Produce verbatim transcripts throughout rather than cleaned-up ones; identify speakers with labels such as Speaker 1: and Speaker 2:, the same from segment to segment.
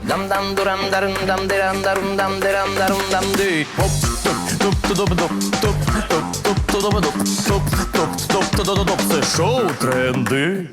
Speaker 1: Дам-дам дурам дарам дам дирам дарум дам дирам дарум дам ди. Хоп, топ, топ, топ, топ, топ, топ, топ, топ, топ, топ, топ, топ, топ, топ, топ. Це шоу тренди.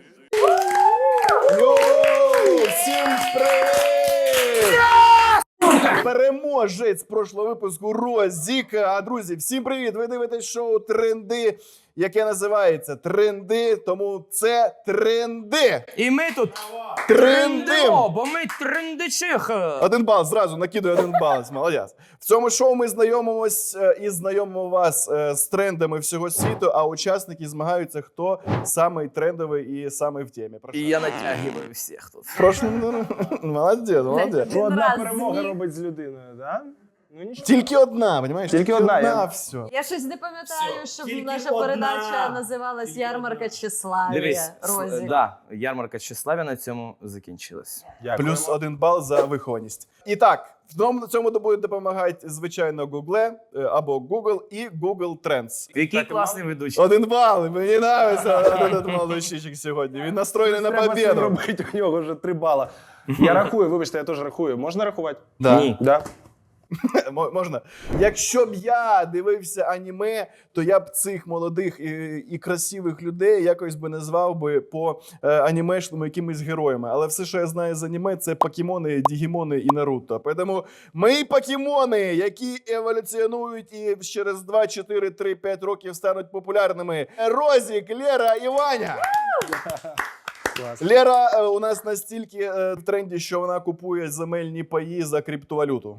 Speaker 2: Йоу! Всім привіт! Переможець прошлого випуску Розіка. А, друзі, всім привіт! Ви дивитесь шоу «Тренди», яке називається «Тренди», тому це тренди.
Speaker 1: І ми тут
Speaker 2: Трендим!
Speaker 1: трендимо, бо ми трендичихи.
Speaker 2: Один бал, зразу накидує один бал. Молодець. В цьому шоу ми знайомимось е, і знайомимо вас е, з трендами всього світу, а учасники змагаються, хто самий трендовий і самий в темі. Прошу.
Speaker 1: І я натягиваю всіх тут.
Speaker 2: Прошу. Молодець, молодець.
Speaker 3: Ну, одна
Speaker 4: раз
Speaker 3: перемога
Speaker 4: з'їв.
Speaker 3: робить з людиною, да? Ну нічого.
Speaker 2: Тільки одна, розумієш?
Speaker 3: Тільки одна, я-
Speaker 2: все.
Speaker 4: Я щось не пам'ятаю, щоб
Speaker 3: Тільки
Speaker 4: наша
Speaker 3: одна.
Speaker 4: передача називалась «Ярмарка тщеславія».
Speaker 1: Дивись,
Speaker 4: Розі.
Speaker 1: да, ярмарка тщеславія на цьому закінчилась.
Speaker 3: Дякуємо.
Speaker 2: Плюс один бал за вихованість. І так, в цьому, цьому буде допомагати, звичайно, Google е, або Google і Google Trends.
Speaker 1: Який
Speaker 3: Так,
Speaker 1: класний ведучий.
Speaker 2: Один бал, мені подобається один молодчичок сьогодні. Він настроєний на
Speaker 3: Треба це
Speaker 2: победу.
Speaker 3: робити, у нього вже три бала. Я рахую, вибачте, я теж рахую. Можна рахувати?
Speaker 2: Да.
Speaker 1: Ні.
Speaker 3: Да.
Speaker 2: М- Можна. Якщо б я дивився аніме, то я б цих молодих і, і красивих людей якось би назвав би по е, анімешному якимись героями. Але все, що я знаю з аніме, це покемони, дігімони і Наруто. Тому ми покемони, які еволюціонують і через два, чотири, три, п'ять років стануть популярними. Розік, Лера і Ваня.
Speaker 3: Клас.
Speaker 2: Лера е, у нас настільки е, в тренді, що вона купує земельні паї за криптовалюту.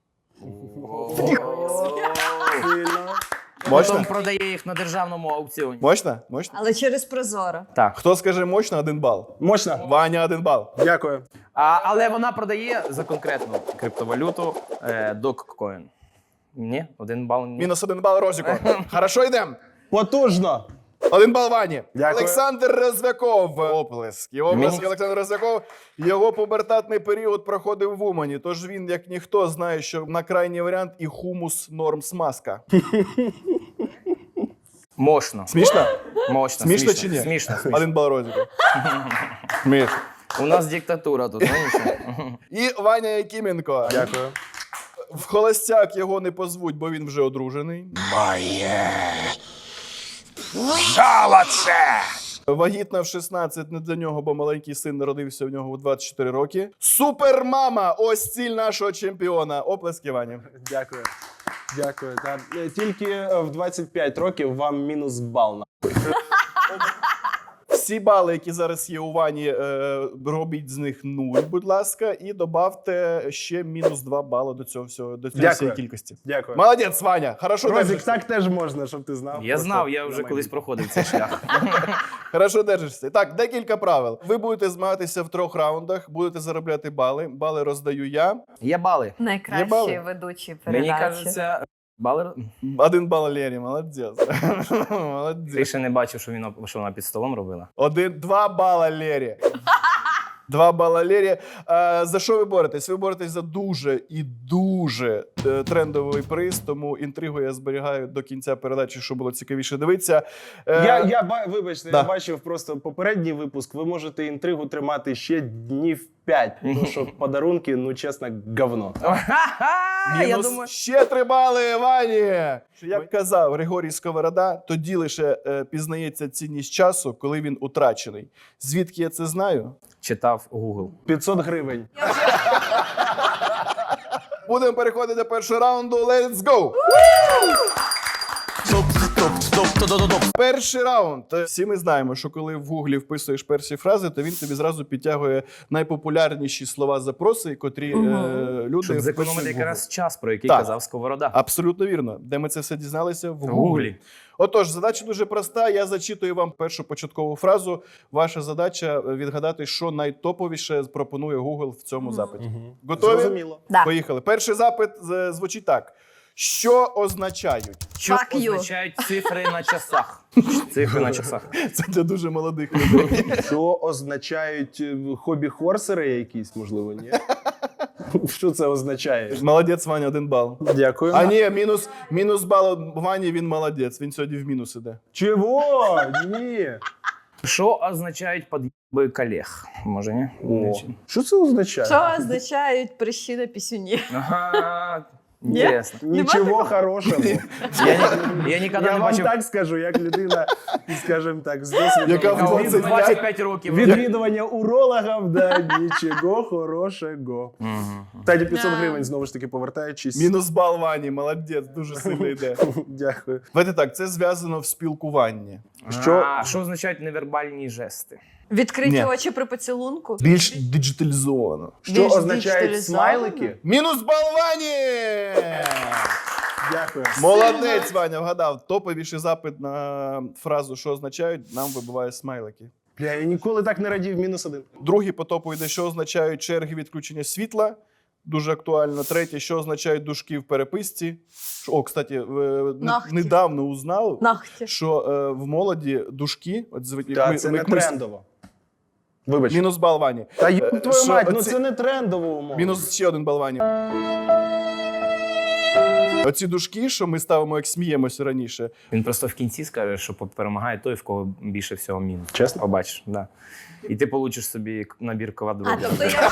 Speaker 3: Сильно.
Speaker 2: Мощно?
Speaker 1: Потім продає їх на державному аукціоні.
Speaker 2: Мощно? Мощно?
Speaker 4: Але через Прозоро.
Speaker 1: Так.
Speaker 2: Хто скаже мощно, один бал.
Speaker 3: Мощно.
Speaker 2: Ваня, один бал.
Speaker 3: Дякую.
Speaker 1: А, але вона продає за конкретну криптовалюту е, Dogecoin. Ні, один бал ні.
Speaker 2: Мінус один бал Розіку. Хорошо, йдемо.
Speaker 3: Потужно.
Speaker 2: Один бал Вані.
Speaker 3: Дякую.
Speaker 2: Олександр Розвяков. Оплески. Оплески
Speaker 1: Мені-
Speaker 2: Олександр Розвяков. Його пубертатний період проходив в Умані. Тож він, як ніхто, знає, що на крайній варіант і хумус норм смазка.
Speaker 1: Мощно.
Speaker 2: Смішно?
Speaker 1: Мощно.
Speaker 2: Смішно чи ні?
Speaker 1: Смішно. смішно.
Speaker 2: Один бал Розіку. Смішно.
Speaker 1: У нас диктатура тут, ну нічого.
Speaker 2: І Ваня Якименко.
Speaker 3: Дякую.
Speaker 2: В холостяк його не позвуть, бо він вже одружений. Вагітна в шістнадцять не для нього, бо маленький син народився в нього у двадцять чотири роки. Супермама! Ось ціль нашого чемпіона. Оплески, Вані.
Speaker 3: Дякую. Дякую. Та, е, тільки е, в двадцять п'ять років вам мінус бал. на-
Speaker 2: Всі бали, які зараз є у Вані, е, робіть з них нуль, будь ласка, і добавте ще мінус два бали до цього всього, до цієї
Speaker 3: Дякую.
Speaker 2: всієї кількості.
Speaker 3: Дякую.
Speaker 2: Молодець, Ваня. Хорошо
Speaker 3: Розік,
Speaker 2: держишся.
Speaker 3: так теж можна, щоб ти знав.
Speaker 1: Я
Speaker 3: Просто
Speaker 1: знав, я
Speaker 3: на
Speaker 1: вже
Speaker 3: мене.
Speaker 1: колись проходив цей шлях.
Speaker 2: Хорошо держишся. Так, декілька правил. Ви будете змагатися в трьох раундах, будете заробляти бали. Бали роздаю я.
Speaker 1: Є бали.
Speaker 2: Є
Speaker 4: Найкращий
Speaker 2: бали?
Speaker 4: ведучий
Speaker 1: Мені
Speaker 4: передачі.
Speaker 1: кажеться, бали.
Speaker 2: Один бал Лері, молодець. Молодець.
Speaker 1: Ти ще не бачив, що він що вона під столом робила.
Speaker 2: Один, два бала Лері. Два бала Лері. А, за що ви боретесь? Ви боретесь за дуже і дуже е, трендовий приз, тому інтригу я зберігаю до кінця передачі, щоб було цікавіше дивитися. Е,
Speaker 3: Я, я ба- вибачте,
Speaker 2: Да.
Speaker 3: я бачив просто попередній випуск. Ви можете інтригу тримати ще днів п'ять, тому що подарунки, ну чесно, говно.
Speaker 1: Ха-ха! Я
Speaker 2: Мінус
Speaker 1: думаю,
Speaker 2: ще три бали, Вані! Що, як казав Григорій Сковорода, тоді лише е, пізнається цінність часу, коли він утрачений. Звідки я це знаю?
Speaker 1: читав Google.
Speaker 3: п'ятсот гривень.
Speaker 2: Будемо переходити до першого раунду. Let's go! Перший раунд. Всі ми знаємо, що коли в гуглі вписуєш перші фрази, то він тобі зразу підтягує найпопулярніші слова запроси, котрі е, люди
Speaker 1: Щоб
Speaker 2: вписують
Speaker 1: зекономити
Speaker 2: в Google.
Speaker 1: якраз час, про який
Speaker 2: Так.
Speaker 1: казав Сковорода.
Speaker 2: Абсолютно вірно. Де ми це все дізналися? В
Speaker 1: В
Speaker 2: гуглі.
Speaker 1: Гуглі.
Speaker 2: Отож, задача дуже проста. Я зачитую вам першу початкову фразу. Ваша задача відгадати, що найтоповіше пропонує Google в цьому запиті. Готові?
Speaker 3: Зрозуміло.
Speaker 4: Да.
Speaker 2: Поїхали. Перший запит е, звучить так. Що означають?
Speaker 1: Що
Speaker 4: Fuck you.
Speaker 1: означають цифри на часах? Цифри на часах.
Speaker 2: Це для дуже молодих людей.
Speaker 3: Що означають е, хобі-хорсери якісь, можливо, ні? Що це означає?
Speaker 2: Молодець, Ваня, один бал.
Speaker 3: Дякую.
Speaker 2: А ні, мінус, мінус бал Вані, він молодець. Він сьогодні в мінус іде.
Speaker 3: Чого? Ні.
Speaker 1: Що означають під'їб Би колег, може, ні?
Speaker 3: О, що це означає?
Speaker 4: Що означають прищі на пісюні?
Speaker 1: Ага,
Speaker 4: Ні?
Speaker 1: інтересно.
Speaker 3: Нічого хорошого.
Speaker 1: Я, ні- я ніколи
Speaker 3: Я
Speaker 1: не
Speaker 3: вам
Speaker 1: бачив
Speaker 3: так скажу, як людина, скажімо так, з досвідом
Speaker 2: Яка в
Speaker 1: кого
Speaker 2: двадцять
Speaker 1: двадцять п'ять років.
Speaker 3: відвідування урологів, да, нічого хорошого.
Speaker 1: Мгм.
Speaker 3: Таді п'ятсот
Speaker 4: Да.
Speaker 3: гривень, знову ж таки, повертаючись.
Speaker 2: Мінус бал Вані, молодець, дуже сильно йде.
Speaker 3: Дякую.
Speaker 2: Давайте так, це зв'язано в спілкуванні.
Speaker 3: Що-
Speaker 1: А, що означають невербальні жести?
Speaker 4: Відкриті
Speaker 2: Ні.
Speaker 4: очі при поцілунку?
Speaker 2: Більш диджиталізовано.
Speaker 3: Що
Speaker 4: Більш
Speaker 3: означають
Speaker 4: діджиталізовано?
Speaker 3: смайлики?
Speaker 2: Мінус бал Вані!
Speaker 3: Дякую.
Speaker 2: Молодець, Ваня, вгадав. Топовіший запит на фразу, що означають, нам вибиває смайлики.
Speaker 3: Бля, я ніколи так не радів, мінус один.
Speaker 2: Другий по топу йде, що означають черги відключення світла. Дуже актуально. Третє, що означають дужки в переписці. О, кстати, е, не-
Speaker 4: Нахті.
Speaker 2: недавно узнав,
Speaker 4: Нахті.
Speaker 2: що е, в молоді дужки, от зв-
Speaker 3: Та
Speaker 2: ми-
Speaker 3: це
Speaker 2: ми-
Speaker 3: не
Speaker 2: ми-
Speaker 3: трендово. Вибач.
Speaker 2: Мінус бал Вані.
Speaker 3: Та
Speaker 2: Е,
Speaker 3: їб твою
Speaker 2: що
Speaker 3: мать, ну
Speaker 2: оці-
Speaker 3: це не трендово умова.
Speaker 2: Мінус ще один бал Вані. Оці дужки, що ми ставимо, як сміємося раніше.
Speaker 1: Він просто в кінці скаже, що перемагає той, в кого більше всього мінус.
Speaker 3: Чесно?
Speaker 1: Побачиш, да. І ти получиш собі набір
Speaker 4: А,
Speaker 1: квадробів.
Speaker 4: тобто я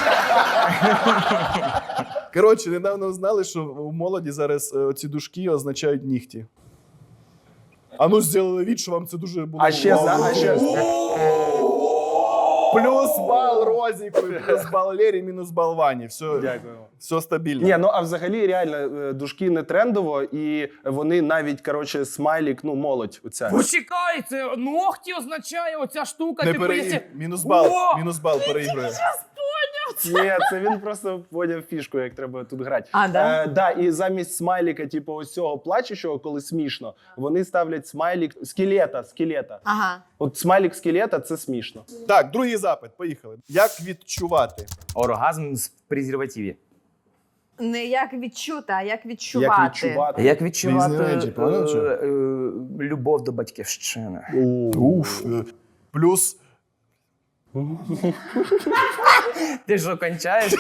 Speaker 2: Коротше, недавно узнали, що у молоді зараз е, оці дужки означають нігті. А ну, зробили від, що вам це дуже було.
Speaker 3: А ще за,
Speaker 2: вау.
Speaker 3: а ще
Speaker 2: Плюс бал Розіку, плюс бал Лері, мінус бал Вані. Все,
Speaker 3: Дякую.
Speaker 2: все стабільно.
Speaker 3: Ні, ну а взагалі реально е, дужки не трендово, і вони навіть, коротше, смайлік, ну, молодь оця.
Speaker 1: Почекай, це ногті означає оця штука.
Speaker 2: Не
Speaker 1: типу,
Speaker 2: переїг.
Speaker 1: якщо-
Speaker 2: Мінус бал,
Speaker 1: О!
Speaker 2: мінус бал переігрує.
Speaker 3: Ні, це він просто поняв фішку, як треба тут грати.
Speaker 4: А, да?
Speaker 3: Е, да, і замість смайліка, типу, ось цього плачущого, коли смішно, вони ставлять смайлік скелета, скелета.
Speaker 4: Ага.
Speaker 3: От смайлік скелета це смішно.
Speaker 2: Так, другий запит, поїхали. Як відчувати?
Speaker 1: Оргазм з презервативі.
Speaker 4: Не як відчути, а як відчувати.
Speaker 3: Як відчувати.
Speaker 1: Як відчувати
Speaker 2: Різні речі, поняв, чи?
Speaker 1: е, е, любов до батьківщини?
Speaker 2: Уф. Е, Плюс
Speaker 1: Ти що, кончаєш?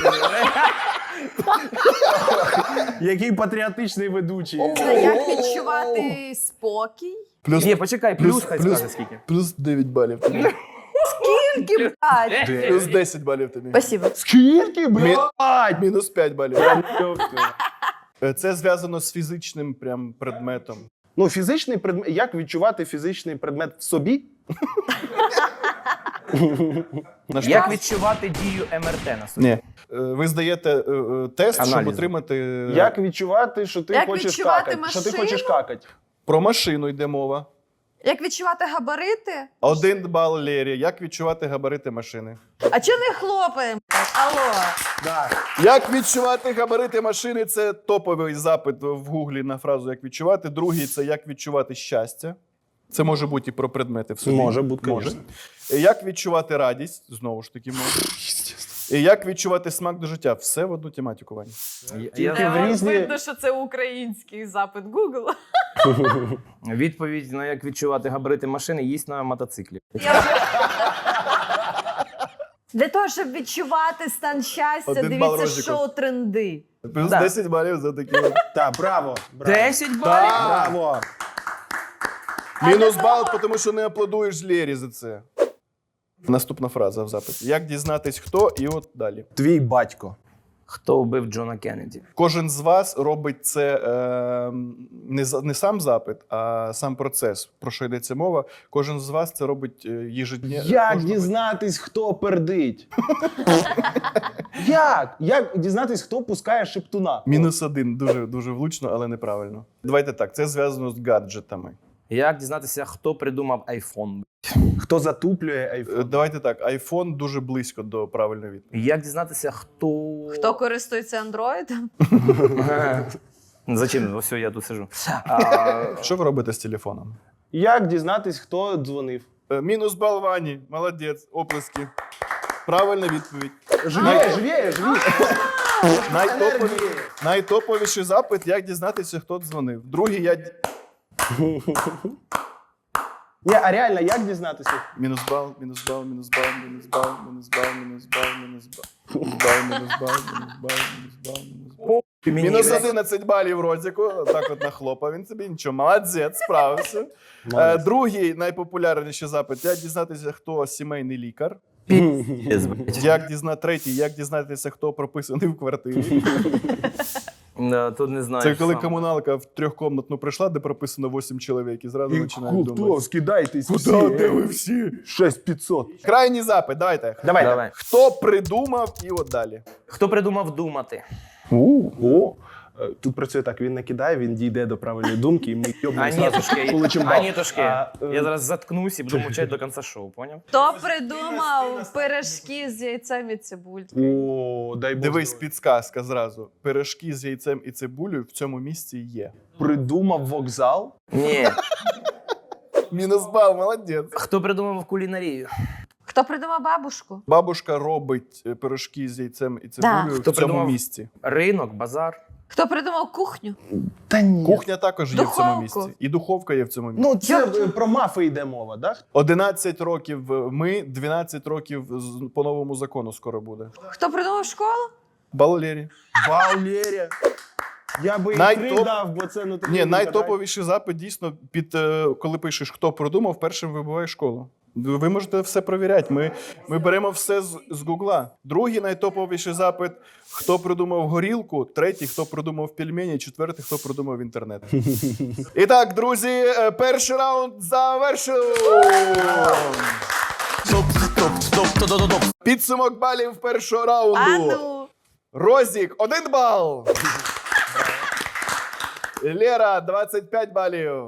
Speaker 3: Який патріотичний ведучий.
Speaker 4: А як відчувати спокій?
Speaker 2: Плюс,
Speaker 1: Ні, почекай, плюс,
Speaker 2: плюс,
Speaker 1: хай
Speaker 2: плюс,
Speaker 1: скаже скільки.
Speaker 2: плюс дев'ять балів тобі.
Speaker 4: Скільки, блядь?
Speaker 2: Плюс десять балів тобі.
Speaker 4: Спасибо.
Speaker 3: Скільки, блядь?
Speaker 2: Мінус п'ять балів.
Speaker 3: Тобто.
Speaker 2: Е, Це зв'язано з фізичним прям предметом.
Speaker 3: Ну, фізичний предмет. Як відчувати фізичний предмет в собі?
Speaker 2: На що?
Speaker 1: Як відчувати дію ем ер те на собі?
Speaker 2: Ні. Е, Ви здаєте е, е, тест, щоб
Speaker 1: Аналізи.
Speaker 2: отримати е,
Speaker 3: Як відчувати, що ти
Speaker 4: Як
Speaker 3: хочеш
Speaker 4: відчувати
Speaker 3: какати? Що ти
Speaker 4: машину?
Speaker 3: хочеш какати?
Speaker 2: про машину йде мова.
Speaker 4: Як відчувати габарити?
Speaker 2: Один бал Лері. Як відчувати габарити машини?
Speaker 4: А чого не хлопаємо? Алло.
Speaker 3: Да.
Speaker 2: Як відчувати габарити машини? Це топовий запит в гуглі на фразу як відчувати. Другий це як відчувати щастя. Це може бути і про предмети в собі.
Speaker 3: Може бути,
Speaker 2: Може.
Speaker 3: звісно.
Speaker 2: Як відчувати радість? Знову ж таки, може. І як відчувати смак до життя? Все в одну тематику, Ваня.
Speaker 1: Я-
Speaker 3: Тільки
Speaker 1: я-
Speaker 3: в різні-
Speaker 4: Видно, що це український запит Google.
Speaker 1: Відповідь на як відчувати габарити машини їсть на мотоциклі.
Speaker 4: Я вже... Для того, щоб відчувати стан щастя,
Speaker 2: Один бал
Speaker 4: дивіться
Speaker 2: Розіку.
Speaker 4: шоу «Тренди».
Speaker 1: Да.
Speaker 2: Плюс десять балів за такі. от.
Speaker 3: Так, браво. браво.
Speaker 1: Десять балів?
Speaker 3: Браво.
Speaker 2: Мінус бал, тому що не аплодуєш Лері за це. Наступна фраза в запиті. Як дізнатись хто, і от далі.
Speaker 3: Твій батько.
Speaker 1: Хто вбив Джона Кеннеді?
Speaker 2: Кожен з вас робить це е, не, за- не сам запит, а сам процес. Про що йдеться мова? Кожен з вас це робить е, їжедня.
Speaker 3: Як
Speaker 2: кожного-
Speaker 3: дізнатись, хто пердить? Як? Як дізнатись, хто пускає шептуна?
Speaker 2: Мінус один. Дуже, дуже влучно, але неправильно. Давайте так, це зв'язано з гаджетами.
Speaker 1: Як дізнатися, хто придумав айфон?
Speaker 3: Хто затуплює
Speaker 2: Е,
Speaker 3: айфон?
Speaker 2: Давайте так, айфон дуже близько до правильної відповіді.
Speaker 1: Як дізнатися, хто.
Speaker 4: Хто користується андроїдом?
Speaker 1: Зачем? Ось я тут сижу. А,
Speaker 2: Що ви робите з телефоном?
Speaker 3: Як дізнатись, хто дзвонив?
Speaker 2: Е, Мінус бал Вані. Молодець. Оплески. Правильна відповідь.
Speaker 3: Живіє, живіє, живіє.
Speaker 2: Найтопові... Найтоповіший запит, як дізнатися, хто дзвонив. Другий я... д-
Speaker 3: Ні, а реально, як дізнатися?
Speaker 2: Мінус бал, мінус бал, мінус бал, мінус бал, мінус бал, мінус бал, мінус бал. Мінус бал, мінус бал, мінус бал, мінус бал, мінус бал.
Speaker 1: мені,
Speaker 2: Мінус
Speaker 1: блядь,
Speaker 2: одинадцять балів Розіку. Так от нахлопав він собі. Нічого, молодець, справився. Е, Другий найпопулярніший запит. Як дізнатися, хто сімейний лікар. Як дізна... Третій, як дізнатися, хто прописаний в квартирі.
Speaker 1: Да, тут не знаю.
Speaker 2: Це коли
Speaker 1: сам.
Speaker 2: комуналка в трьохкомнатну прийшла, де прописано вісім чоловік, і зразу починають
Speaker 3: Хто?
Speaker 2: думати.
Speaker 3: Скидайтесь
Speaker 2: Куда? Де ви всі?
Speaker 3: шість п'ятсот.
Speaker 2: Крайній запит, давайте.
Speaker 3: Давай.
Speaker 1: Давай.
Speaker 2: Хто придумав і от далі?
Speaker 1: Хто придумав думати?
Speaker 3: О, е, тут працює так, він накидає, він дійде до правильної думки, і ми йобнемо зразу
Speaker 1: Анітушки,
Speaker 3: получимо бал.
Speaker 1: Анітушки.
Speaker 3: А, е,
Speaker 1: Я зараз заткнусь і буду мовчати до кінця шоу, поняв?
Speaker 4: Хто придумав пиріжки з яйцем і цибулькою?
Speaker 3: О, дай Бог.
Speaker 2: Дивись,
Speaker 3: здоров'я.
Speaker 2: підсказка зразу. Пиріжки з яйцем і цибулею в цьому місці є.
Speaker 3: Придумав вокзал.
Speaker 1: Ні.
Speaker 2: Мінус бал, молодець.
Speaker 1: Хто придумав кулінарію?
Speaker 4: Хто придумав бабушку?
Speaker 2: Бабушка робить е, пиріжки з яйцем і цибулею
Speaker 1: Хто
Speaker 2: в цьому
Speaker 1: придумав?
Speaker 2: місці.
Speaker 1: Ринок, базар.
Speaker 4: Хто придумав кухню?
Speaker 3: Та ні.
Speaker 2: Кухня також є в цьому
Speaker 4: Духовку.
Speaker 2: місці. І духовка є в цьому місці.
Speaker 3: Ну, це е, про мафи йде мова, так?
Speaker 2: одинадцять років ми, дванадцять років з- по новому закону скоро буде.
Speaker 4: Хто придумав школу?
Speaker 2: Балолері.
Speaker 3: Валерія. Я би і
Speaker 2: Найтоп-
Speaker 3: три дав, бо це ну такий
Speaker 2: Ні,
Speaker 3: інтернет.
Speaker 2: найтоповіший запит дійсно під е, коли пишеш, хто придумав, першим вибиває школу. Ви можете все перевіряти. Ми, ми беремо все з, з Гугла. Другий найтоповіший запит: хто придумав горілку, третій, хто придумав пельмені, четвертий, хто придумав інтернет. І так, друзі, е, перший раунд завершено.
Speaker 1: Топ, топ, топ, топ, топ, топ.
Speaker 2: Підсумок балів першого раунду.
Speaker 4: А ну!
Speaker 2: Розік один бал. Лера двадцять п'ять балів.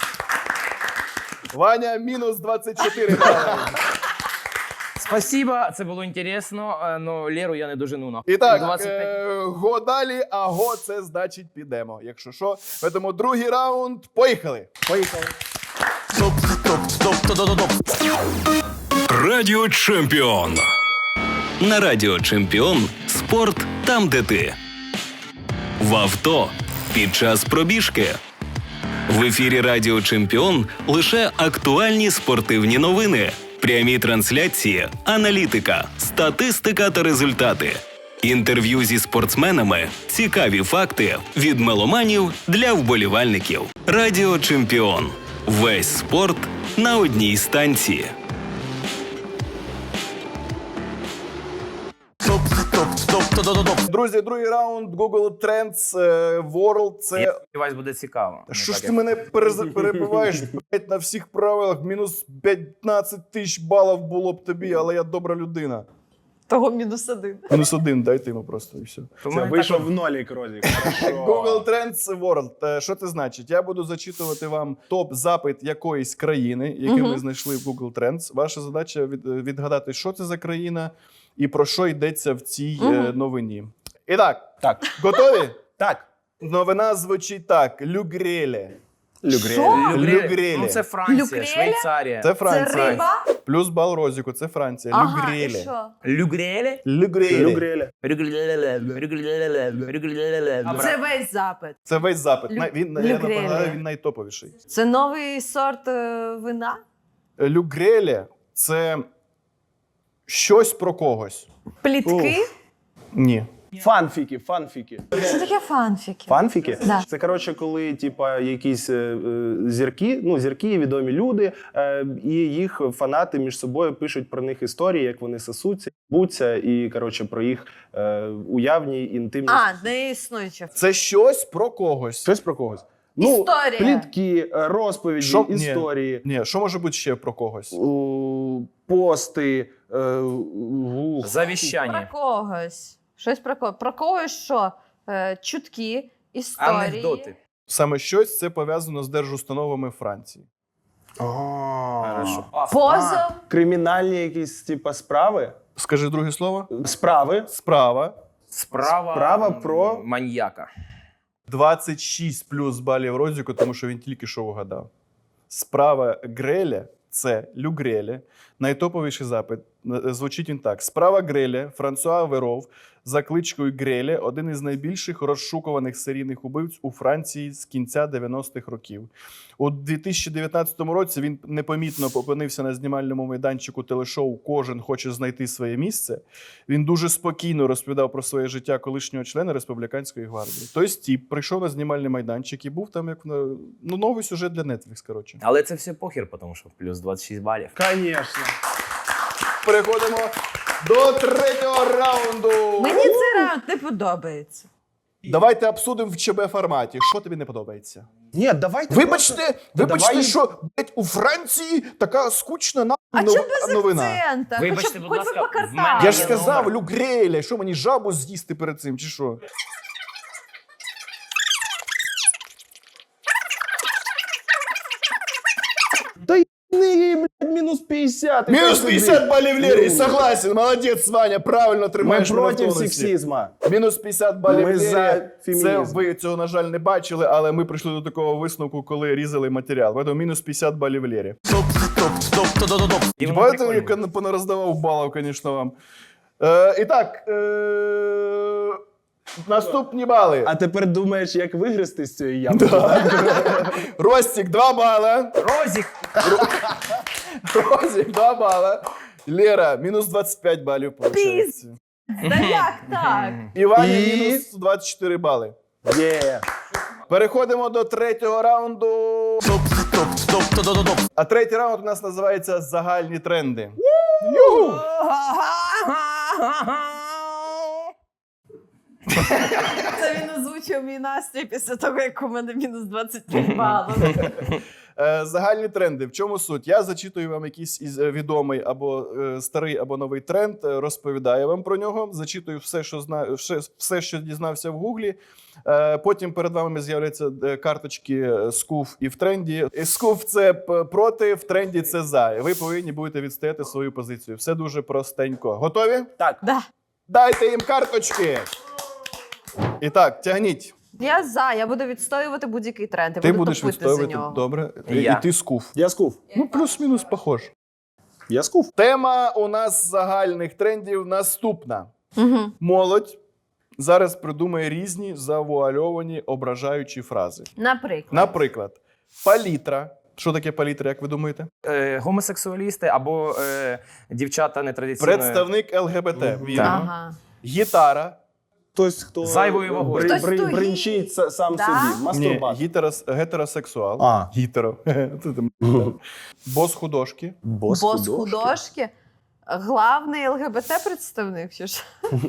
Speaker 2: Ваня мінус двадцять чотири бали.
Speaker 1: Спасибо, це було інтересно, але Леру я не дожену на.
Speaker 2: І так,
Speaker 1: двадцять п'ять.
Speaker 2: е, го далі, а го це значить підемо. Якщо що, тому другий раунд. Поїхали.
Speaker 3: Поїхали.
Speaker 1: Топ, топ, топ, топ, топ, топ.
Speaker 5: Радіо Чемпіон. На Радіо Чемпіон спорт там, де ти. В авто під час пробіжки. В ефірі Радіо Чемпіон лише актуальні спортивні новини, прямі трансляції, аналітика, статистика та результати. Інтерв'ю зі спортсменами, цікаві факти від меломанів для вболівальників. Радіо Чемпіон. Весь спорт на одній станції.
Speaker 1: Топ, топ, топ, топ, топ, топ.
Speaker 2: Друзі, другий раунд Google Trends е, World. Це
Speaker 1: Я сподіваюсь, буде цікаво.
Speaker 2: що
Speaker 1: Не
Speaker 2: ж
Speaker 1: так,
Speaker 2: ти
Speaker 1: як-
Speaker 2: мене перез- перебиваєш блядь, на всіх правилах? Мінус п'ятнадцять тисяч балів було б тобі, але я добра людина.
Speaker 4: Того мінус один.
Speaker 2: Мінус один, дайте йому просто і все.
Speaker 1: То
Speaker 3: Це
Speaker 1: мене
Speaker 3: вийшов
Speaker 1: так-
Speaker 3: в нолік, Розік.
Speaker 2: Google Trends World. Е, Що це значить? Я буду зачитувати вам топ-запит якоїсь країни, який ми знайшли в Google Trends. Ваша задача від, відгадати, що це за країна і про що йдеться в цій е, новині. І так,
Speaker 3: Так.
Speaker 2: готові?
Speaker 3: Так.
Speaker 2: Новина звучить так: Люгреле.
Speaker 3: Люгрель.
Speaker 4: Що?
Speaker 1: Люгрелі.
Speaker 2: Люгрелі.
Speaker 1: Ну, це Франція,
Speaker 4: Люгрелі?
Speaker 1: Швейцарія.
Speaker 2: Це
Speaker 4: Це
Speaker 2: Франція.
Speaker 4: риба?
Speaker 2: Плюс бал Розіку, це Франція.
Speaker 4: Ага, і
Speaker 2: Люгреле.
Speaker 4: що?
Speaker 1: Люгрелі?
Speaker 2: Люгреле.
Speaker 3: Люгреля.
Speaker 4: Це весь запит.
Speaker 2: Це весь запит.
Speaker 4: Лю-
Speaker 2: Най- Він, я
Speaker 4: Люгреле.
Speaker 2: нагадаю, він найтоповіший.
Speaker 4: Це новий сорт е, вина?
Speaker 2: Люгреле – це щось про когось.
Speaker 4: Плітки?
Speaker 2: Ні.
Speaker 3: Фанфіки, фанфіки.
Speaker 4: Що таке фанфіки?
Speaker 3: Фанфіки?
Speaker 4: Да.
Speaker 3: Це, коротше, коли типа, якісь е, е, зірки, ну, зірки, відомі люди, е, і їх фанати між собою пишуть про них історії, як вони сосуться, буться, і, коротше, про їх е, уявні інтимні.
Speaker 4: А, не існуюче.
Speaker 2: Це щось про когось.
Speaker 3: Щось про когось.
Speaker 4: Історія.
Speaker 3: Ну, плітки, е, розповіді,
Speaker 2: Що? Ні.
Speaker 3: історії,
Speaker 2: Ні, що може бути ще про когось?
Speaker 3: у, пости. Е, у,
Speaker 4: Про
Speaker 1: Завіщання.
Speaker 4: когось. Щось про когось. Про когось що? Е, чутки, історії.
Speaker 1: Анекдоти.
Speaker 2: Саме щось це пов'язано з держустановами Франції.
Speaker 3: А,
Speaker 1: Хорошо.
Speaker 4: Позов.
Speaker 3: Кримінальні якісь типа справи.
Speaker 2: Скажи друге слово.
Speaker 3: Справи.
Speaker 2: Справа.
Speaker 1: Справа,
Speaker 3: Справа
Speaker 1: м,
Speaker 3: про-
Speaker 1: маньяка.
Speaker 2: двадцять шість плюс балів Розіку, тому що він тільки що вгадав. Справа Греля – це Люгреле. Найтоповіший запит. Е, Звучить він так. Справа Греля, Франсуа Веров, за кличкою Греля, один із найбільших розшукуваних серійних убивць у Франції з кінця дев'яностих років. У дві тисячі дев'ятнадцятому році він непомітно опинився на знімальному майданчику телешоу «Кожен хоче знайти своє місце». Він дуже спокійно розповідав про своє життя колишнього члена Республіканської гвардії. Той тіп прийшов на знімальний майданчик і був там як на- ну, новий сюжет для Netflix, коротше.
Speaker 1: Але це все похер, тому що плюс двадцять шість балів.
Speaker 3: Конечно.
Speaker 2: переходимо до третього раунду.
Speaker 4: Мені цей раунд не подобається.
Speaker 2: Давайте обсудимо в ЧБ форматі. Що тобі не подобається?
Speaker 3: Ні, давайте.
Speaker 2: Вибачте,
Speaker 3: просто-
Speaker 2: вибачте,
Speaker 3: давай-
Speaker 2: що блядь, у Франції така скучна на
Speaker 4: А
Speaker 2: нов-
Speaker 4: чому без
Speaker 2: новина.
Speaker 4: акцента?
Speaker 1: Вибачте,
Speaker 4: Хоч,
Speaker 1: будь
Speaker 4: хоч
Speaker 1: ласка,
Speaker 4: би
Speaker 1: в
Speaker 4: покатали.
Speaker 1: мене
Speaker 2: Я ж
Speaker 1: є
Speaker 2: сказав,
Speaker 1: номер.
Speaker 2: Люк Греля, що мені жабу з'їсти перед цим, чи що?
Speaker 3: Та й не, блядь, мінус п'ятдесят.
Speaker 2: Мінус п'ятдесят балів Лєрі,
Speaker 3: Ну.
Speaker 2: согласен, молодець, Ваня, правильно
Speaker 3: Ми
Speaker 2: тримаєш мене в
Speaker 3: проти
Speaker 2: тонусі.
Speaker 3: сексизму.
Speaker 2: Мінус п'ятдесят балів
Speaker 3: Ми
Speaker 2: Лєрі.
Speaker 3: за
Speaker 2: Це
Speaker 3: фемінізм.
Speaker 2: ви цього, на жаль, не бачили, але ми прийшли до такого висновку, коли різали матеріал. Тому мінус п'ятдесят балів Лєрі.
Speaker 1: Топ, топ, топ, топ, топ, топ. І воно
Speaker 2: Бачите,
Speaker 1: прикольне.
Speaker 2: як я понароздавав балів, звісно, вам. Е, і так, е, наступні бали.
Speaker 3: А тепер думаєш, як вигрести з цієї ямки?
Speaker 2: Ростік, два бала.
Speaker 1: Розік!
Speaker 2: Розік, два бала. Лера, мінус двадцять п'ять балів, виходить.
Speaker 4: Та як так?
Speaker 2: І Ваня,
Speaker 3: І?
Speaker 2: мінус двадцять чотири бали.
Speaker 3: Є.
Speaker 2: Переходимо до третього раунду.
Speaker 1: Топ, топ, топ, топ, топ, топ.
Speaker 2: А третій раунд у нас називається «Загальні тренди». Югу!
Speaker 4: Це він озвучив мій настрій після того, як у мене мінус двадцять п'ять балів.
Speaker 2: Е, Загальні тренди. В чому суть? Я зачитую вам якийсь із е, відомий або е, старий, або новий тренд, е, розповідаю вам про нього, зачитую все, що знаю, все, все, що дізнався в Гуглі. Е, Потім перед вами з'являються е, карточки е, скуф і в тренді. І скуф – це п- проти, в тренді – це за. І ви повинні будете відстояти свою позицію. Все дуже простенько. Готові?
Speaker 3: Так.
Speaker 4: Да.
Speaker 2: Дайте їм карточки! І так, тягніть.
Speaker 4: Я за, я буду відстоювати будь-який тренд. Я
Speaker 2: Ти
Speaker 4: буду
Speaker 2: будеш
Speaker 4: топити за
Speaker 2: відстоювати.
Speaker 4: нього.
Speaker 2: Добре. І,
Speaker 1: Я.
Speaker 2: і ти скуф.
Speaker 3: Я скуф.
Speaker 2: Ну, плюс-мінус похож.
Speaker 3: Я скуф.
Speaker 2: Тема у нас загальних трендів наступна.
Speaker 4: Угу.
Speaker 2: Молодь зараз придумає різні завуальовані ображаючі фрази.
Speaker 4: Наприклад.
Speaker 2: Наприклад, палітра. Що таке палітра, як ви думаєте?
Speaker 1: Е, Гомосексуалісти або е, дівчата нетрадиційної...
Speaker 2: Представник ЛГБТ. Вірно.
Speaker 4: Ага.
Speaker 2: Гітара.
Speaker 3: Хтось, хто
Speaker 1: Зайвою вагою.
Speaker 3: бри-
Speaker 4: Хтось
Speaker 3: бри-
Speaker 4: тугий.
Speaker 3: бринчить са- сам
Speaker 4: Да?
Speaker 3: собі.
Speaker 2: Ні,
Speaker 3: Мастурбат.
Speaker 2: гітерос, гетеросексуал.
Speaker 3: А.
Speaker 2: Гітеро. Бос художки.
Speaker 3: Бос
Speaker 4: Бос художки. Главний ЛГБТ-представник, чи ж?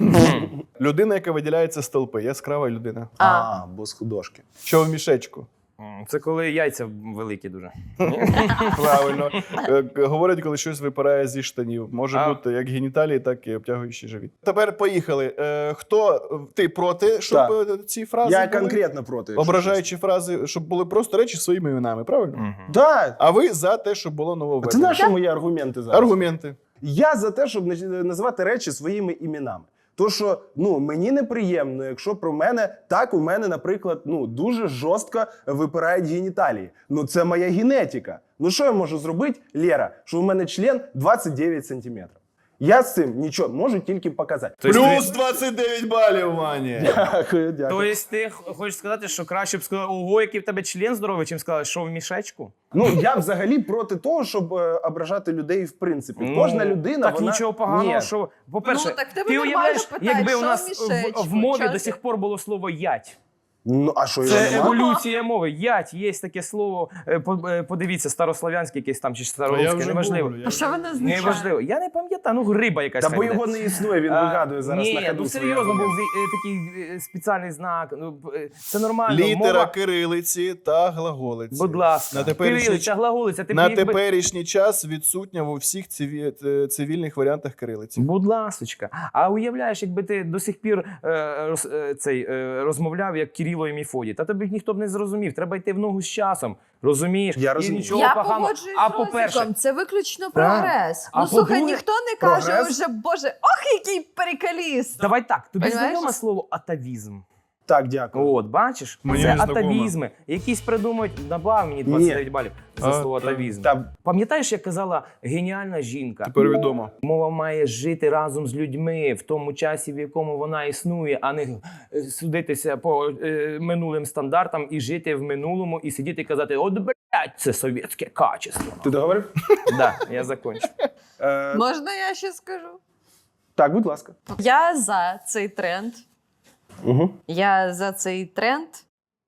Speaker 2: Людина, яка виділяється з толпи. Яскрава людина.
Speaker 4: А.
Speaker 3: А, бос художки.
Speaker 2: Що в мішечку?
Speaker 1: М, Це коли яйця великі дуже.
Speaker 2: Правильно. Е, Говорять, коли щось випирає зі штанів. Може
Speaker 1: А.
Speaker 2: бути як геніталії, так і обтягуючий живіт. Тепер поїхали. Е, Хто ти проти, щоб
Speaker 3: Так.
Speaker 2: е, ці фрази
Speaker 3: Я
Speaker 2: були?
Speaker 3: конкретно проти. якщо
Speaker 2: Ображаючі фрази, щоб були просто речі своїми іменами, правильно?
Speaker 1: Мгм.
Speaker 3: чесно. Да.
Speaker 2: А ви за те, щоб було
Speaker 3: Це
Speaker 2: нововведення.
Speaker 3: наші мої аргументи зараз.
Speaker 2: Аргументи.
Speaker 3: Я за те, щоб не- називати речі своїми іменами. То, що ну, мені неприємно, якщо про мене так у мене, наприклад, ну дуже жорстко випирають геніталії. Ну це моя генетика. Ну що я можу зробити, Лера, що у мене член двадцять дев'ять сантиметрів. Я з цим нічого можу тільки показати.
Speaker 1: Тобто
Speaker 2: Плюс двадцять дев'ять балів, Вані.
Speaker 3: Дякую, дякую.
Speaker 1: Тобто ти х- хочеш сказати, що краще б сказали, ого, який в тебе член здоровий, чим сказали, що в мішечку?
Speaker 3: Ну я взагалі проти того, щоб е, ображати людей в принципі.
Speaker 1: Ну,
Speaker 3: Кожна людина,
Speaker 1: Так
Speaker 3: вона...
Speaker 1: нічого поганого,
Speaker 3: Ні.
Speaker 1: що, по-перше,
Speaker 4: Ну, так в тебе
Speaker 1: ти
Speaker 4: нормально
Speaker 1: уявляєш,
Speaker 4: питають,
Speaker 1: якби у
Speaker 4: що
Speaker 1: нас
Speaker 4: в
Speaker 1: в,
Speaker 4: мішечку,
Speaker 1: в мові
Speaker 4: чого
Speaker 1: до
Speaker 4: ти?
Speaker 1: сих пор було слово ять.
Speaker 3: Ну, а що його
Speaker 1: Це
Speaker 3: нема?
Speaker 1: еволюція мови. Ять, є таке слово. е, по- е, Подивіться, старослов'янське якесь там чи староруське, неважливо.
Speaker 4: А що воно означає?
Speaker 1: Неважливо. Я не пам'ятаю, ну риба якась.
Speaker 3: Та
Speaker 1: хай
Speaker 3: бо
Speaker 1: буде.
Speaker 3: його не існує, він
Speaker 1: А,
Speaker 3: вигадує зараз
Speaker 1: ні,
Speaker 3: на ходу.
Speaker 1: ну
Speaker 3: свої
Speaker 1: серйозно був
Speaker 3: аргументи.
Speaker 1: е, такий е, спеціальний знак. Ну, е, це нормально.
Speaker 2: Літера
Speaker 1: Мова,
Speaker 2: кирилиці та глаголиці.
Speaker 1: будь ласка.
Speaker 2: На теперішній,
Speaker 1: Кирилиця, глаголиця, ти
Speaker 2: на
Speaker 1: б якби-
Speaker 2: теперішній час відсутня у всіх циві... е, цивільних варіантах кирилиці.
Speaker 1: Будь ласочка. А уявляєш, якби ти до сих пір е, роз, е, цей, е, розмовляв як Кирило і Мефодій, та тобі ніхто б не зрозумів. Треба йти в ногу з часом. Розумієш?
Speaker 3: Я
Speaker 1: І
Speaker 3: розумію.
Speaker 1: нічого
Speaker 4: Я
Speaker 1: поганого.
Speaker 4: погоджуюсь
Speaker 1: А
Speaker 4: з
Speaker 1: по-перше,
Speaker 4: Розіком, це виключно прогрес.
Speaker 1: А
Speaker 4: Ну слухай,
Speaker 1: по-друге,
Speaker 4: ніхто не каже
Speaker 3: прогрес?
Speaker 4: вже, боже, ох, який перикаліст.
Speaker 1: давай так, тобі
Speaker 4: Понимаєш?
Speaker 1: знайоме слово атавізм?
Speaker 3: Так, дякую.
Speaker 1: От, бачиш?
Speaker 2: Мені
Speaker 1: це
Speaker 2: не знакомо.
Speaker 1: атавізми. Якісь придумають, добав мені двадцять дев'ять балів за
Speaker 2: А,
Speaker 1: слово
Speaker 2: та-
Speaker 1: атавізм.
Speaker 3: Та
Speaker 1: Пам'ятаєш, як казала геніальна жінка?
Speaker 2: Тепер відомо.
Speaker 1: Мова має жити разом з людьми в тому часі, в якому вона існує, а не е, судитися по е, минулим стандартам і жити в минулому, і сидіти і казати: от, блядь, це совєтське качество.
Speaker 3: ти договорив?
Speaker 1: Да, я закончу.
Speaker 3: Е,
Speaker 4: Можна я ще скажу?
Speaker 3: так, будь ласка.
Speaker 4: Я за цей тренд.
Speaker 3: Угу.
Speaker 4: Я за цей тренд.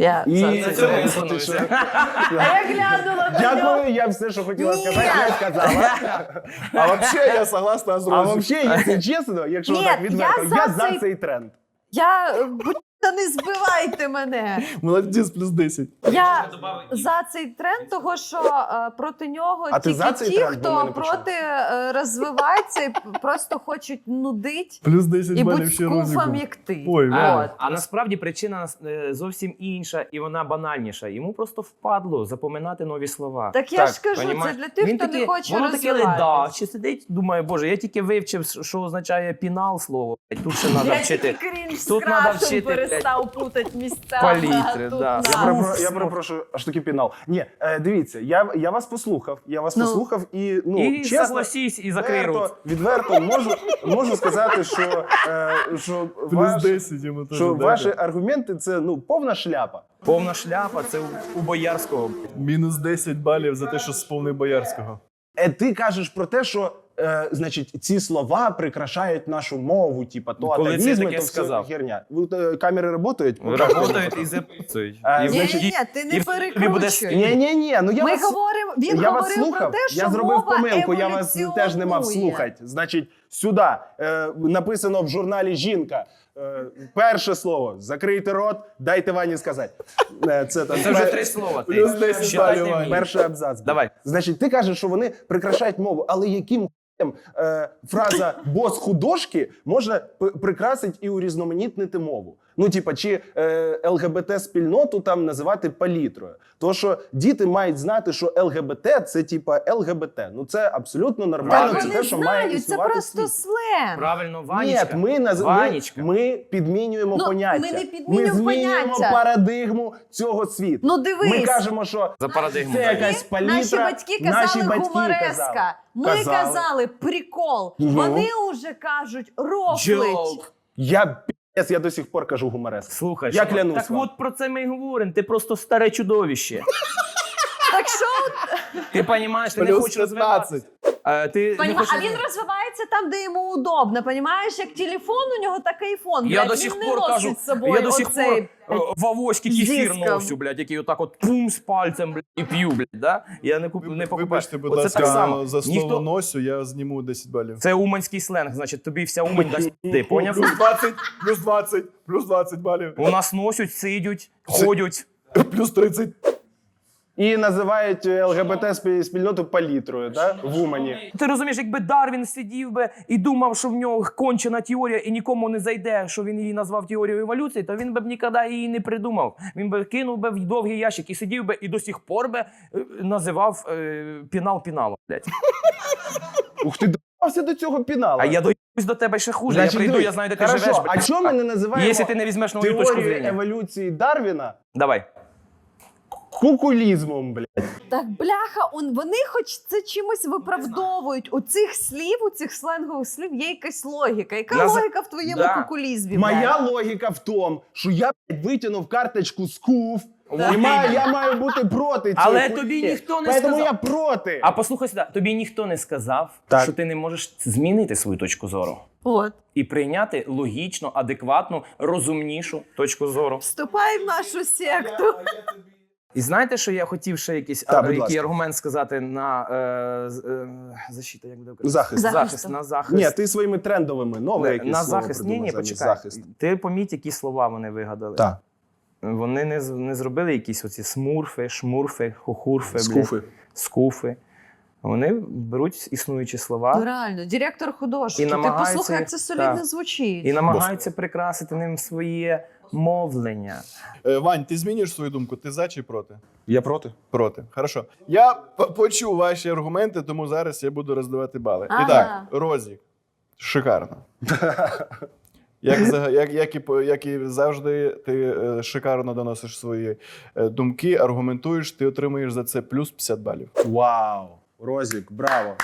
Speaker 4: Я
Speaker 3: І
Speaker 4: за
Speaker 1: це
Speaker 4: цей
Speaker 1: ми
Speaker 4: тренд.
Speaker 1: становимося.
Speaker 4: А я глянула на нього.
Speaker 3: Дякую, я все, що хотіла сказати, я сказала.
Speaker 2: А взагалі я согласна з
Speaker 3: А
Speaker 2: Розі.
Speaker 3: взагалі, якщо чесно, якщо
Speaker 4: Ні,
Speaker 3: так відверто,
Speaker 4: я за
Speaker 3: я за
Speaker 4: цей-
Speaker 3: цей тренд.
Speaker 4: Я, будь та не збивайте мене.
Speaker 2: Молодець, плюс десять.
Speaker 4: Я за цей тренд, того що е, проти нього
Speaker 3: А ти
Speaker 4: тільки
Speaker 3: за цей
Speaker 4: ті,
Speaker 3: тренд? Бо в
Speaker 4: хто
Speaker 3: мене почав.
Speaker 4: проти е, розвивається і п- просто хочуть нудить
Speaker 2: Плюс десять
Speaker 4: і
Speaker 2: балів
Speaker 4: будь
Speaker 2: ще
Speaker 4: скуфом,
Speaker 2: Розіку.
Speaker 4: як ти.
Speaker 2: Ой,
Speaker 1: А,
Speaker 4: От.
Speaker 1: а насправді причина е, зовсім інша, і вона банальніша. Йому просто впадло запоминати нові слова.
Speaker 4: Так я
Speaker 3: Так,
Speaker 4: ж кажу,
Speaker 1: понімаєш?
Speaker 4: це для тих,
Speaker 1: Він
Speaker 4: хто
Speaker 1: таки-
Speaker 4: не хоче
Speaker 1: воно таке
Speaker 4: розвиватися.
Speaker 1: ледаче сидить, думає, боже, я тільки вивчив, що означає пінал слово. Тут ще треба
Speaker 4: Я
Speaker 1: вчити.
Speaker 4: тільки крінж з
Speaker 1: Тут надо
Speaker 4: крашем
Speaker 1: вчити,
Speaker 4: перестав путати місця.
Speaker 1: палітри,
Speaker 4: а тут
Speaker 1: да.
Speaker 4: на.
Speaker 3: Я,
Speaker 1: Уф,
Speaker 3: перепро- я
Speaker 1: ну.
Speaker 3: перепрошую, аж таки пінал. Ні, е, дивіться, я, я вас послухав, я вас
Speaker 4: Ну.
Speaker 3: послухав і, ну,
Speaker 1: І
Speaker 3: чесно,
Speaker 1: согласись, і закрий рот.
Speaker 3: відверто, відверто можу, можу сказати, що, е, що,
Speaker 2: Плюс
Speaker 3: ваш,
Speaker 2: десять йому теж.
Speaker 3: що
Speaker 2: дайте.
Speaker 3: ваші аргументи – це ну, повна шляпа.
Speaker 1: Повна шляпа, це у, у Боярського.
Speaker 2: Мінус десять балів за те, що сповнив Боярського.
Speaker 3: Е, ти кажеш про те, що е, значить, ці слова прикрашають нашу мову, типа то
Speaker 1: Коли це
Speaker 3: атавізми,
Speaker 1: таке
Speaker 3: то все
Speaker 1: сказав?
Speaker 3: херня. Ви, е, камери працюють?
Speaker 1: Работають і записують.
Speaker 3: А,
Speaker 1: І,
Speaker 4: Ні,
Speaker 3: значить,
Speaker 4: ні, ні, ти не
Speaker 1: і в тобі буде
Speaker 4: перекручуй.
Speaker 3: Ні, ні, ні, ну я
Speaker 4: Ми
Speaker 3: вас...
Speaker 4: говоримо, він
Speaker 3: я вас
Speaker 4: говорив
Speaker 3: слухав,
Speaker 4: про те, що
Speaker 3: я зробив
Speaker 4: мова
Speaker 3: помилку, я вас теж не мав
Speaker 4: еволюціонує.
Speaker 3: слухати. Значить, сюди е, написано в журналі «Жінка». Е, перше слово, закрийте рот, дайте Вані сказати. Е, це там,
Speaker 1: Це вже
Speaker 3: пер-
Speaker 1: три слова. Ти.
Speaker 2: Плюс десять
Speaker 1: Считай
Speaker 2: балів,
Speaker 1: не
Speaker 2: Вань.
Speaker 1: вмієш.
Speaker 3: перший абзац.
Speaker 1: Давай.
Speaker 3: Значить, ти кажеш, що вони прикрашають мову, але яким хуєм, е, фраза «бос художки» може п- прикрасити і урізноманітнити мову? Ну, типа, чи е, ЛГБТ-спільноту там називати палітрою? То, що діти мають знати, що ЛГБТ – це типа ЛГБТ. Ну, це абсолютно нормально,
Speaker 4: Так
Speaker 3: це
Speaker 4: вони
Speaker 3: те, що має
Speaker 4: знають, це
Speaker 3: існувати в
Speaker 4: просто
Speaker 3: світі.
Speaker 4: сленг.
Speaker 1: Правильно,
Speaker 3: Ні,
Speaker 1: Ванечка.
Speaker 3: ми, наз... ми,
Speaker 1: Ванечка.
Speaker 3: ми підмінюємо
Speaker 4: Ну,
Speaker 3: поняття.
Speaker 4: ми не підмінюємо
Speaker 3: Ми змінюємо
Speaker 4: поняття.
Speaker 3: парадигму цього світу.
Speaker 4: Ну дивись,
Speaker 3: Ми кажемо, що
Speaker 1: За парадигму.
Speaker 3: це
Speaker 1: дай.
Speaker 3: якась палітра.
Speaker 4: наші батьки казали
Speaker 3: наші батьки
Speaker 4: гумореска.
Speaker 3: казали.
Speaker 4: Ми
Speaker 3: Казали.
Speaker 4: казали прикол.
Speaker 3: Ну.
Speaker 4: Вони вже кажуть рофлить.
Speaker 1: Джок.
Speaker 3: Я пі***ць, я до сих пор кажу гумореск.
Speaker 1: Слухай,
Speaker 3: Я
Speaker 1: що-
Speaker 3: клянусь
Speaker 1: так
Speaker 3: вам.
Speaker 1: от про це ми й говоримо. Ти просто старе чудовище.
Speaker 4: Так що,
Speaker 1: Ти розумієш, ти не
Speaker 2: Плюс
Speaker 1: хочеш розвиватися.
Speaker 2: п'ятнадцять.
Speaker 1: Е, Ти не
Speaker 4: понімаєш,
Speaker 1: хочеш
Speaker 4: а він
Speaker 1: розвиватися.
Speaker 4: розвивається там, де йому удобно. Понімаєш, як телефон у нього, так і айфон.
Speaker 1: Я
Speaker 4: блядь,
Speaker 1: до
Speaker 4: він
Speaker 1: сих
Speaker 4: не
Speaker 1: пор
Speaker 4: носить
Speaker 1: кажу,
Speaker 4: з собою
Speaker 1: я до сих
Speaker 4: оцей,
Speaker 1: пор е, в авоськи кефір
Speaker 4: диском.
Speaker 1: ношу, блядь, який отак от пум з пальцем, блядь, і п'ю, блядь, да? Я не куплю, не покупаю.
Speaker 2: Вибачте, будь
Speaker 1: Оце
Speaker 2: ласка,
Speaker 1: так само.
Speaker 2: за слово
Speaker 1: Ніхто...
Speaker 2: носю я зніму десять балів.
Speaker 1: Це уманський сленг, значить, тобі вся Умань дасть пизди, поняв?
Speaker 2: Плюс двадцять, плюс двадцять, плюс двадцять балів.
Speaker 1: У нас носять, сидять, ходять.
Speaker 2: Плюс тридцять.
Speaker 3: І називають ЛГБТ-спільноту палітрою, да? В Умані.
Speaker 1: Ти розумієш, якби Дарвін сидів би і думав, що в нього кончена теорія і нікому не зайде, що він її назвав теорією еволюції, то він би б ніколи її не придумав. Він би кинув би в довгий ящик і сидів би і до сих пор би е, називав е, пінал піналом, блядь.
Speaker 3: Ух ти, доїбався до цього пінала.
Speaker 1: А я доїбусь до тебе ще хуже.
Speaker 3: Значить,
Speaker 1: я прийду,
Speaker 3: дивись,
Speaker 1: я знаю, де ти
Speaker 3: хорошо,
Speaker 1: живеш.
Speaker 3: а
Speaker 1: блядь.
Speaker 3: чому ми не називаємо
Speaker 1: Якщо ти не візьмеш нову точку
Speaker 3: теорію
Speaker 1: зрення.
Speaker 3: еволюції Дарвіна
Speaker 1: Давай.
Speaker 3: кукулізмом, блядь?
Speaker 4: Так, бляха, он, вони хоч це чимось виправдовують. У цих слів, у цих сленгових слів є якась логіка. Яка
Speaker 1: Наз-
Speaker 4: логіка в твоєму
Speaker 1: Да.
Speaker 4: кукулізмі?
Speaker 3: Моя
Speaker 4: блядь?
Speaker 3: логіка в тому, що я блядь, витягнув карточку з КУФ,
Speaker 1: Вот
Speaker 3: і маю,
Speaker 1: іменно.
Speaker 3: я маю бути проти цієї
Speaker 1: Але
Speaker 3: хуйні.
Speaker 1: тобі ніхто не
Speaker 3: Поэтому
Speaker 1: сказав.
Speaker 3: я проти.
Speaker 1: А послухай сюди, тобі ніхто не сказав,
Speaker 3: Так.
Speaker 1: що ти не можеш змінити свою точку зору
Speaker 4: От.
Speaker 1: і прийняти логічну, адекватну, розумнішу точку зору.
Speaker 4: Вступай в нашу секту.
Speaker 1: І знаєте, що я хотів ще якийсь
Speaker 3: Так,
Speaker 1: а,
Speaker 3: будь
Speaker 1: який
Speaker 3: ласка.
Speaker 1: аргумент сказати на е, з- е, защита, як буде українською?
Speaker 3: Захист.
Speaker 4: Захисту.
Speaker 1: захист, на захист.
Speaker 3: Ні, ти своїми трендовими нове
Speaker 1: на,
Speaker 3: якісь
Speaker 1: на
Speaker 3: слово
Speaker 1: захист. Ні,
Speaker 3: придумав
Speaker 1: ні,
Speaker 3: замість
Speaker 1: почекай.
Speaker 3: захист.
Speaker 1: Ти поміть, які слова вони вигадали.
Speaker 3: Так.
Speaker 1: Вони не, з- не зробили якісь оці смурфи, шмурфи, хухурфи, блядь,
Speaker 3: Скуфи.
Speaker 1: скуфи. Вони беруть існуючі слова.
Speaker 4: Ну реально, директор художки.
Speaker 1: І
Speaker 4: Ти
Speaker 1: намагається-
Speaker 4: послухай, як це солідно
Speaker 1: так.
Speaker 4: звучить.
Speaker 1: І намагаються прикрасити ним своє мовлення.
Speaker 2: Е, Вань, ти змінюєш свою думку? Ти за чи проти?
Speaker 3: Я проти.
Speaker 2: Проти. Хорошо. Я п- почув ваші аргументи, тому зараз я буду роздавати бали.
Speaker 4: Ага.
Speaker 2: І так, Розік. Шикарно. Як, зага- як, як, і, по- як і завжди, ти е, шикарно доносиш свої е, думки, аргументуєш, ти отримуєш за це плюс п'ятдесят балів.
Speaker 3: Вау. Розік, браво.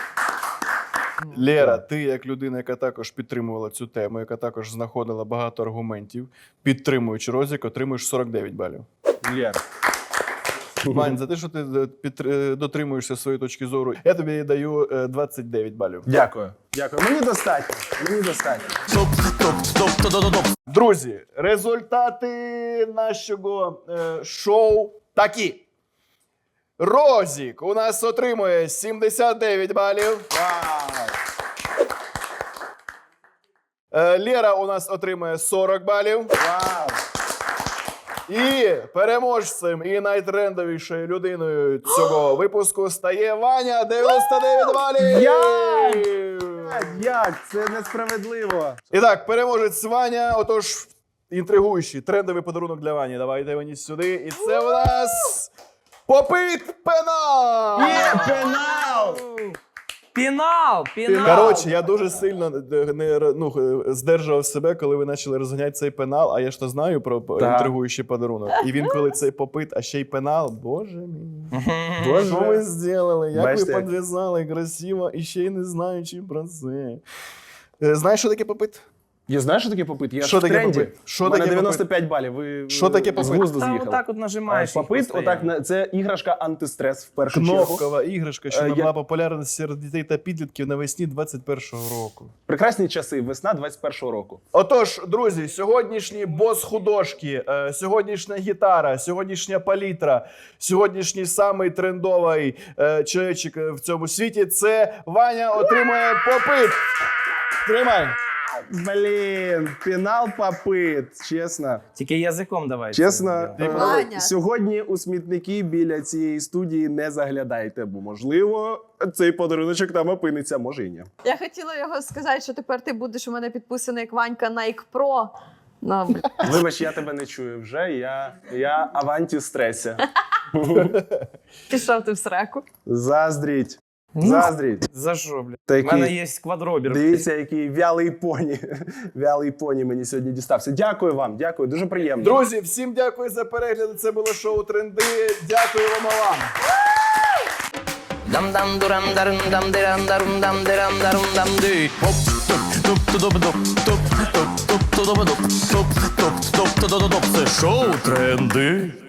Speaker 2: Лера, ти як людина, яка також підтримувала цю тему, яка також знаходила багато аргументів, підтримуючи Розік, отримуєш сорок дев'ять балів.
Speaker 3: Лєр.
Speaker 2: Вань, за те, що ти е, підтр- е, дотримуєшся своєї точки зору, я тобі даю е, двадцять дев'ять балів.
Speaker 3: Дякую. Дякую. Мені достатньо. Мені достатньо.
Speaker 2: Друзі, результати нашого е, шоу такі. Розік у нас отримує сімдесят дев'ять балів. Е, Лера у нас отримує сорок балів.
Speaker 3: Вау!
Speaker 2: І переможцем і найтрендовішою людиною цього випуску стає Ваня, дев'яносто дев'ять балів.
Speaker 3: Як? Як? Це несправедливо.
Speaker 2: І так, переможець Ваня, отож, інтригуючий, трендовий подарунок для Вані. Давайте мені сюди. І це у нас попит пенал!
Speaker 3: Є пенал!
Speaker 1: Пінал! Пінал!
Speaker 2: Коротше, я дуже сильно не, ну, здержував себе, коли ви почали розганяти цей пенал, а я ж то знаю про
Speaker 3: Так.
Speaker 2: інтригуючий подарунок. І він, коли цей попит, а ще й пенал, боже мій.
Speaker 3: Боже.
Speaker 2: Що ви зробили? Як
Speaker 3: Бачите,
Speaker 2: ви
Speaker 3: як-
Speaker 2: підв'язали красиво і ще й не знаючи про це. Е, Знаєш, що таке попит?
Speaker 3: Я знаю, що таке попит? Я
Speaker 2: Що
Speaker 3: ж в
Speaker 2: таке
Speaker 3: тренді.
Speaker 2: попит? Що
Speaker 3: У мене
Speaker 2: таке
Speaker 3: дев'яносто п'ять балів. Ви
Speaker 2: Що таке
Speaker 3: з
Speaker 2: попит?
Speaker 3: глузду
Speaker 1: Та
Speaker 3: з'їхали.
Speaker 1: отак от нажимаєш. їх
Speaker 3: Попит,
Speaker 1: постійно.
Speaker 3: отак, на- це іграшка антистрес в першу чергу.
Speaker 2: Кнопкова іграшка, що
Speaker 3: Е,
Speaker 2: набула
Speaker 3: я-
Speaker 2: популярність серед дітей та підлітків навесні двадцять першого року.
Speaker 3: Прекрасні часи, весна двадцять першого року.
Speaker 2: Отож, друзі, сьогоднішні бос-художки, е, сьогоднішня гітара, сьогоднішня палітра, сьогоднішній самий трендовий е, чоловічик в цьому світі – це Ваня отримує попит. Тримай.
Speaker 3: Блін, пенал попит, чесно.
Speaker 1: Тільки язиком давай.
Speaker 3: Чесно,
Speaker 1: це.
Speaker 3: е,
Speaker 4: Ваня.
Speaker 3: сьогодні у смітники біля цієї студії не заглядайте, бо, можливо, цей подаруночок там опиниться, може і ні.
Speaker 4: Я хотіла його сказати, що тепер ти будеш у мене підписаний як Ванька Nike Pro. Ну, блін.
Speaker 3: Вибач, я тебе не чую вже, я, я аванті стресі.
Speaker 4: Пішов ти в сраку.
Speaker 3: Заздріть,
Speaker 1: Ну,
Speaker 3: заздріть.
Speaker 1: За що, блядь? У
Speaker 3: Такий-
Speaker 1: мене є квадробір.
Speaker 3: Дивіться, який вялий поні. Вялий поні мені сьогодні дістався. Дякую вам, дякую, дуже приємно.
Speaker 2: Друзі, всім дякую за перегляд. Це було шоу «Тренди». Дякуємо вам.
Speaker 1: Дам дам дурам дарам дам дирам дарум дам дирам дарум дам ди. Оп, топ, топ, тодоп, доп, топ, топ, топ, тодоп, доп, топ, топ, топ, тодоп, доп. Це шоу «Тренди».